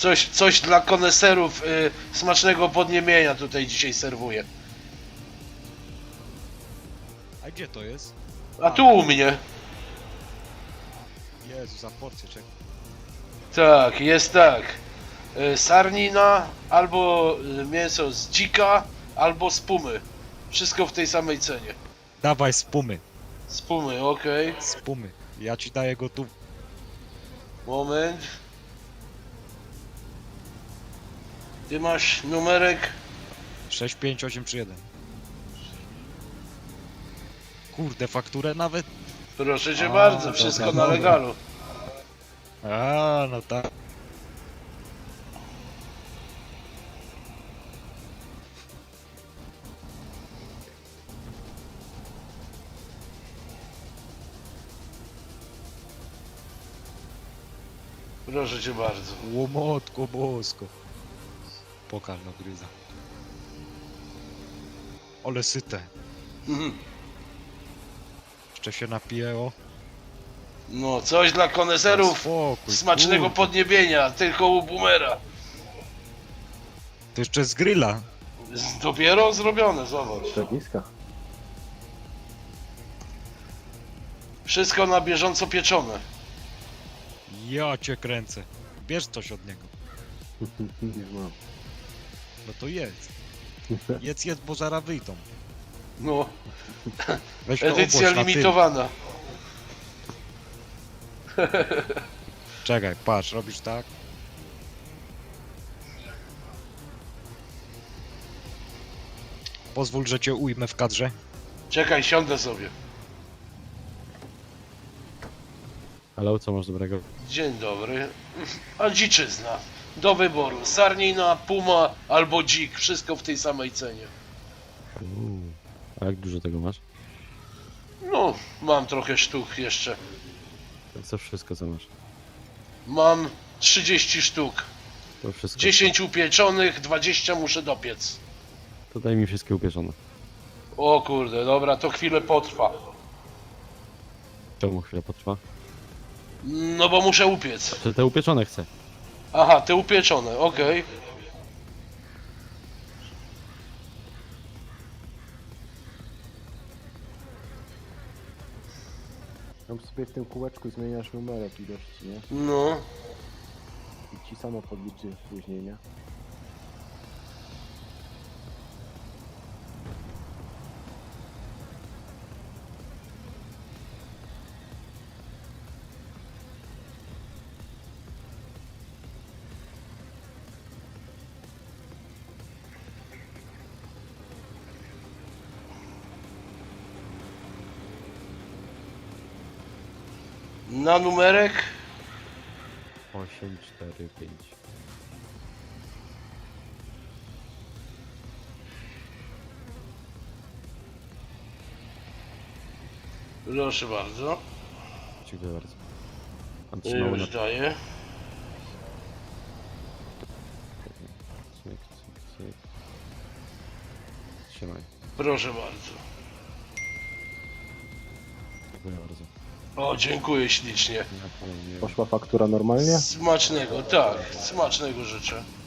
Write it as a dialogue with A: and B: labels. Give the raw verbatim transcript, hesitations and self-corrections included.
A: Coś, coś dla koneserów y, smacznego podniebienia tutaj dzisiaj serwuję.
B: A gdzie to jest?
A: A tu u mnie.
B: Jezu, za porcję, czekaj.
A: Tak, jest tak. Y, sarnina, albo y, mięso z dzika, albo z pumy. Wszystko w tej samej cenie.
B: Dawaj z pumy,
A: Z pumy, okej.
B: z pumy. Ja ci daję go tu.
A: Moment. Ty masz numerek?
B: sześć pięć osiem trzy jeden. Kurde, fakturę nawet?
A: Proszę cię
B: A,
A: bardzo,
B: dobra,
A: wszystko na
B: dobra.
A: legalu.
B: A, no tak.
A: Proszę cię bardzo.
B: Łomotko bosko. Pokaż no gryza. Ale syte.
A: Mhm.
B: Jeszcze się napijeło.
A: No, coś dla koneserów
B: Spokój,
A: smacznego
B: kurde.
A: podniebienia, tylko u boomera.
B: To jeszcze z grilla.
A: Z- Dopiero zrobione, zobacz.
C: Szczepiska.
A: Wszystko na bieżąco pieczone.
B: Ja cię kręcę. Bierz coś od niego.
C: Nie mam.
B: No to jedz. Jedz, jedz, bo zaraz wyjdą.
A: No,
B: Weź to
A: edycja
B: obłoż na tył.
A: limitowana.
B: Czekaj, patrz, robisz tak. Pozwól, że cię ujmę w kadrze.
A: Czekaj, siądę sobie.
C: Ale co masz dobrego?
A: Dzień dobry. A dziczyzna. Do wyboru. Sarnina, puma albo dzik. Wszystko w tej samej cenie.
C: Uuu. A jak dużo tego masz?
A: No, mam trochę sztuk jeszcze.
C: Co wszystko co masz?
A: Mam trzydzieści sztuk.
C: To wszystko.
A: dziesięć upieczonych, dwadzieścia muszę dopiec.
C: To daj mi wszystkie upieczone.
A: O kurde, dobra, to chwilę potrwa.
C: Czemu chwilę potrwa?
A: No bo muszę upiec.
C: Czy te upieczone chcę?
A: Aha, te upieczone, okej.
D: Tam sobie w tym kółeczku zmieniasz numerek ilości, nie?
A: No.
D: I ci samo podliczy później, nie?
A: Na numerek?
C: osiem, cztery, pięć.
A: Proszę bardzo.
C: Dziękuję bardzo. Mam trzymało na...
A: Już daję.
C: Cyk, cyk, cyk. Trzymaj.
A: Proszę bardzo.
C: Dziękuję bardzo.
A: O, dziękuję ślicznie.
C: Ja panu nie...
D: Poszła faktura normalnie?
A: Smacznego, tak, smacznego życzę.